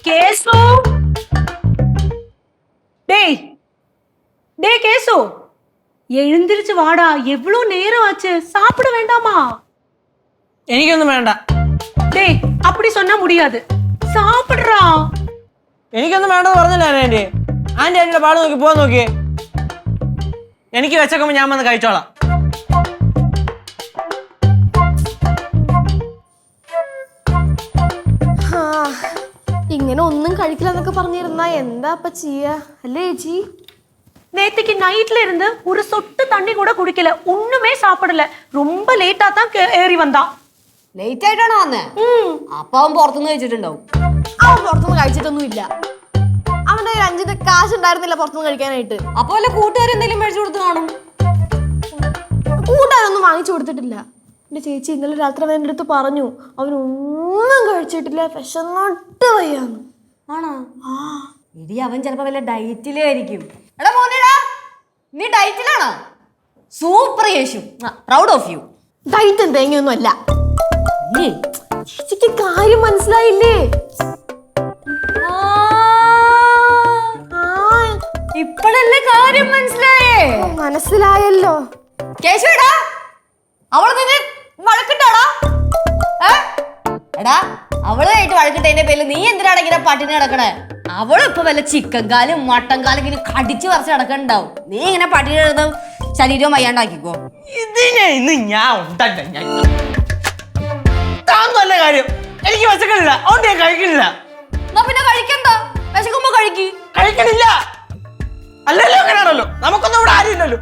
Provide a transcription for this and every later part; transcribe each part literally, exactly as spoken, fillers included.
Case டேய் டேய் case எழுந்திருச்சு வாடா எவ்வளவு நேரம் ஆச்சு சாப்பிட வேண்டாமா എനിക്കൊന്നും വേണ്ട டேய் அப்படி சொன்னா முடியாது சாப்பிடுறா എനിക്കൊന്നും വേണ്ടെന്ന് പറഞ്ഞില്ല ആന്റി ആന്റി ആന്റിയുടെ പാട് നോക്കി പോവാൻ നോക്കിയേ എനിക്ക് വെച്ചേക്കുമ്പോ ഞാൻ വന്ന് കഴിച്ചോളാം ഇങ്ങനെ ഒന്നും കഴിക്കില്ല എന്നൊക്കെ പറഞ്ഞിരുന്നാ എന്താ അപ്പ ചെയ്യാ അല്ലേ ചേച്ചി நேத்துக்கு நைட்ல இருந்து ஒரு சொட்டு தண்ணி கூட குடிக்கல ஒண்ணுமே சாப்பிடல ரொம்ப லேட்டா தான் ஏறி வந்தான் ലേറ്റ് ആയിട്ടാണോ വന്നേ അപ്പൊ അവൻ പുറത്തുനിന്ന് കഴിച്ചിട്ടുണ്ടാവും അവൻ പുറത്തുനിന്ന് കഴിച്ചിട്ടൊന്നും ഇല്ല അവന്റെ കയ്യിൽ അഞ്ചിന്റെ കാശ് ഉണ്ടായിരുന്നില്ല പുറത്തുനിന്ന് കഴിക്കാനായിട്ട് അപ്പൊ വല്ല കൂട്ടുകാരെന്തെങ്കിലും മേടിച്ചു കൊടുത്ത് കാണും കൂട്ടുകാരൊന്നും വാങ്ങിച്ചു കൊടുത്തിട്ടില്ല എന്റെ ചേച്ചി ഇന്നലെ രാത്രി അവൻ എൻ്റെ അടുത്ത് പറഞ്ഞു അവനൊന്നും കഴിച്ചിട്ടില്ല വിശന്നിട്ട് വയ്യാന്ന് ആണോ ആ ഇടി അവൻ ചിലപ്പോ വല്ല ഡയറ്റിലായിരിക്കും എടാ മോനെടാ നീ ഡയറ്റിലാണോ സൂപ്പർ യേശു പ്രൗഡ് ഓഫ് യു ഡയറ്റും തേങ്ങയൊന്നും അല്ല ചേച്ചിക്ക് കാര്യം മനസ്സിലായില്ലേ ഇപ്പോഴല്ലേ കാര്യം മനസ്സിലായേ മനസ്സിലായല്ലോ കേശുടാ അവള് നിന്നെ വഴക്കിട്ടാടാ എടാ അവളുമായിട്ട് വഴക്കിട്ടതിന്റെ പേരിൽ നീ എന്തിനാണ് ഇങ്ങനെ പട്ടിണി കിടക്കണേ അവളിപ്പോ വല്ല ചിക്കൻ കാലും മട്ടൻ കാലും ഇങ്ങനെ കടിച്ചു പറിച്ച് കിടക്കണ്ടാവും നീ ഇങ്ങനെ പട്ടിണി കിടന്ന് ശരീരവും വയ്യാണ്ടാക്കിക്കോ ഇതിനെ ഇന്ന് ഞാൻ ഉണ്ടല്ല ഞാൻ നല്ല കാര്യം എനിക്ക് വിശക്കണില്ല അതുകൊണ്ട് ഞാൻ കഴിക്കണില്ല എന്നാ പിന്നെ കഴിക്കണ്ട വിശക്കുമ്പോ കഴിക്ക് കഴിക്കണില്ല അല്ലല്ലോ അങ്ങനെയാണല്ലോ നമുക്കൊന്നും ഇവിടെ ആരും ഇല്ലല്ലോ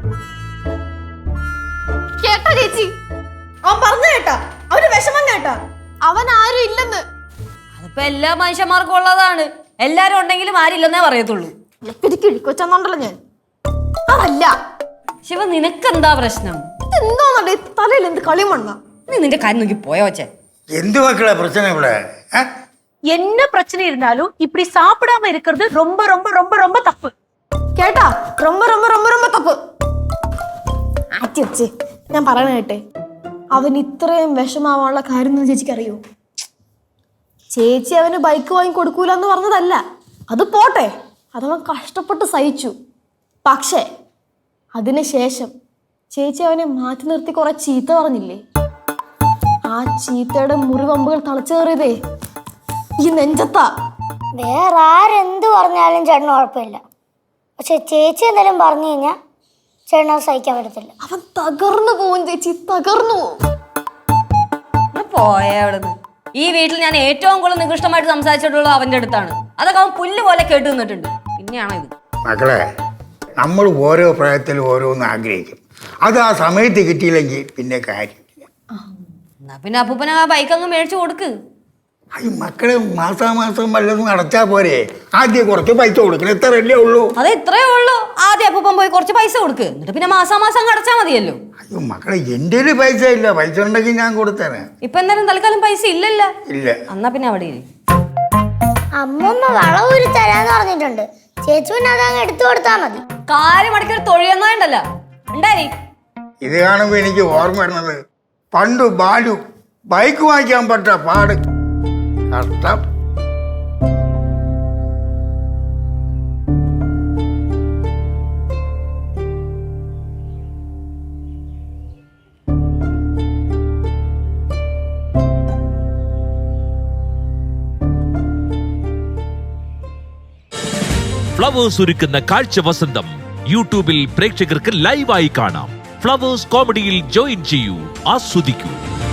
കേട്ടോ ചേച്ചി അവൻ പറഞ്ഞു കേട്ടാ അവന് വിഷമം കേട്ടാ അവൻ ആരും ഇല്ലെന്ന് അതിപ്പോ എല്ലാ മനുഷ്യന്മാർക്കും ഉള്ളതാണ് എല്ലാരും ഉണ്ടെങ്കിലും ആരില്ലെന്നേ പറയത്തുള്ളൂ കിഴിക്കൊച്ചെന്നുണ്ടല്ലോ ഞാൻ അതല്ല ശിവ നിനക്കെന്താ പ്രശ്നം എന്താന്നല്ലേ തലയിൽ എന്ത് കളിമണ്ണ നീ നിന്റെ കാര്യം നോക്കി പോയോ വച്ചേ എന്ത് മക്കളെ പ്രശ്നം ഇവിടെ என்ன பிரச்சனை இருந்தாலும் இப்படி சாப்பிடாம இருக்கிறது ரொம்ப ரொம்ப ரொம்ப ரொம்ப தப்பு കേട്ടാ ரொம்ப ரொம்ப ரொம்ப ரொம்ப തപ്പ് ആറ്റി വെച്ച് ഞാൻ പറയണ കേട്ടെ അവൻ ഇത്രയും വിഷമാവാനുള്ള കാര്യം എന്ന് ചേച്ചിക്ക് അറിയോ ചേച്ചി അവന് ബൈക്ക് വാങ്ങി കൊടുക്കൂല എന്ന് പറഞ്ഞതല്ല അത് പോട്ടെ അതവൻ കഷ്ടപ്പെട്ട് സഹിച്ചു പക്ഷേ അതിനുശേഷം ചേച്ചി അവനെ മാറ്റി നിർത്തി കുറെ ചീത്ത പറഞ്ഞില്ലേ ആ ചീത്തയുടെ മുറിവമ്പുകൾ തളച്ചേറിയതേ ഈ നെഞ്ചത്താ വേറെ ആരെന്ത് പറഞ്ഞാലും ചേട്ടന് കുഴപ്പമില്ല പക്ഷെ ചേച്ചി എന്തെങ്കിലും പറഞ്ഞു കഴിഞ്ഞാൽ ചേട്ടന് സഹിക്കാൻ പറ്റത്തില്ല അവൻ തകർന്നു പോവും ചേച്ചി തകർന്നു പോവും പോയ അവിടുന്ന് ഈ വീട്ടിൽ ഞാൻ ഏറ്റവും കൂടുതൽ നികൃഷ്ടമായിട്ട് സംസാരിച്ചിട്ടുള്ളത് അവന്റെ അടുത്താണ് അതൊക്കെ അവൻ പുല്ല് പോലെ കേട്ട് നിന്നിട്ടുണ്ട് പിന്നെയാണോ ഇത് മക്കളെ നമ്മൾ ഓരോ പ്രായത്തിലും ഓരോന്ന് ആഗ്രഹിക്കും അത് ആ സമയത്ത് കിട്ടിയില്ലെങ്കിൽ പിന്നെ കാര്യമില്ല എന്നാ പിന്നെ അപ്പൂപ്പന ആ ബൈക്ക് അങ്ങ് മേടിച്ചു കൊടുക്ക് ഈ മക്കളെ മാസാമാസം വല്ലതും അടച്ചാൽ പോരെ ആദ്യം കുറച്ച് പൈസ കൊടുക്കണം എത്രയല്ലേ ഉള്ളൂ അത് ഇത്രയേ ഉള്ളൂ ആദ്യം അപ്പൂപ്പൻ പോയി കുറച്ച് പൈസ കൊടുക്ക് എന്നിട്ട് പിന്നെ മാസാമാസം അങ്ങ് അടച്ചാൽ മതിയല്ലോ അയ്യോ മക്കളെ എൻ്റെ ഒരു പൈസ ഇല്ല പൈസ ഉണ്ടെങ്കിൽ ഞാൻ കൊടുത്തേനെ ഇപ്പൊ എന്തായാലും തൽക്കാലം പൈസ ഇല്ലല്ല ഇല്ല എന്നാ പിന്നെ അവിടെ ഇരി. അമ്മമ്മ വളവൂരി തരാന്ന് പറഞ്ഞിട്ടുണ്ട് ചേച്ചി പിന്നെ അതങ്ങ് എടുത്തു കൊടുത്താൽ മതി കാര്യം അടക്കി ഒരു തൊഴിയെന്നാണ്ടല്ല ഉണ്ടായി ഇത് കാണുമ്പോൾ എനിക്ക് ഓർമ്മ വരുന്നത് പണ്ട് ബാലു ബൈക്ക് വാങ്ങിക്കാൻ പറ്റ പാട് കഷ്ടം ഫ്ലവേഴ്സ് ഒരുക്കുന്ന കാഴ്ച വസന്തം യൂട്യൂബിൽ പ്രേക്ഷകർക്ക് ലൈവായി കാണാം. ഫ്ലവേഴ്സ് കോമഡിയിൽ ജോയിൻ ചെയ്യൂ, ആസ്വദിക്കൂ.